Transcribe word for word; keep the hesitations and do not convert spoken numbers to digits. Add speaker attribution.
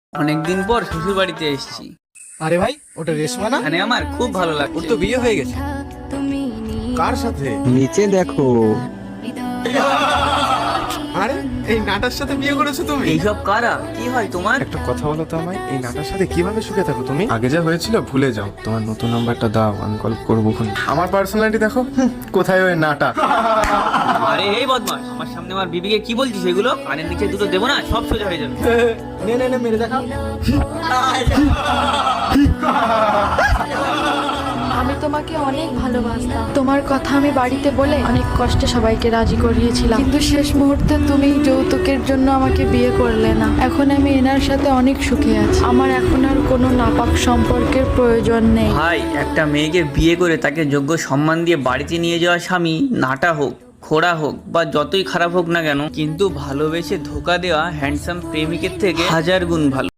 Speaker 1: অনেকদিন পর শ্বশুর বাড়িতে এসেছি।
Speaker 2: আরে ভাই, ওটা রেশমা না?
Speaker 1: এখানে আমার খুব ভালো
Speaker 2: ওর
Speaker 1: লাগছে।
Speaker 2: তো বিয়ে হয়ে গেছে। কার সাথে?
Speaker 3: নিচে দেখো।
Speaker 2: আরে এই নাটার সাথে বিয়ে করেছো তুমি?
Speaker 1: এইসব কারা? কি হয় তোমার?
Speaker 2: একটা কথা বলো তো আমায়, এই নাটার সাথে কিভাবে সুখে থাকো তুমি? আগে যা হয়েছিল ভুলে যাও, তোমার নতুন নাম্বারটা দাও, আমি কল করবো। আমার পার্সোনালিটি দেখো, হুম, কোথায় ওই নাটা?
Speaker 1: আরে এই বদমাস, আমার সামনে আমার বিবিকে কি বলছিস এগুলো? কানের নিচে দুটো দেবো না, সব সোজা হয়ে যাবে।
Speaker 2: নে নে নে মেরে দেখা।
Speaker 4: আমি তোমাকে অনেক ভালোবাসতাম। তোমার কথা আমি বাড়িতে বলে অনেক কষ্টে সবাইকে রাজি করিয়েছিলাম, কিন্তু শেষ মুহূর্তে তুমি যৌতুকের জন্য আমাকে বিয়ে করলে না। এখন আমি এনার সাথে অনেক সুখে আছি। আমার এখন আর কোনো নাপাক সম্পর্কের প্রয়োজন নেই।
Speaker 1: ভাই, একটা মেয়েকে বিয়ে করে তাকে যোগ্য সম্মান দিয়ে বাড়িতে নিয়ে যাওয়া স্বামী নাটা হোক, খোড়া হোক বা যতই খারাপ হোক না কেন, কিন্তু ভালোবেসে ধোকা দেওয়া হ্যান্ডসাম প্রেমিকের থেকে হাজার গুণ ভালো।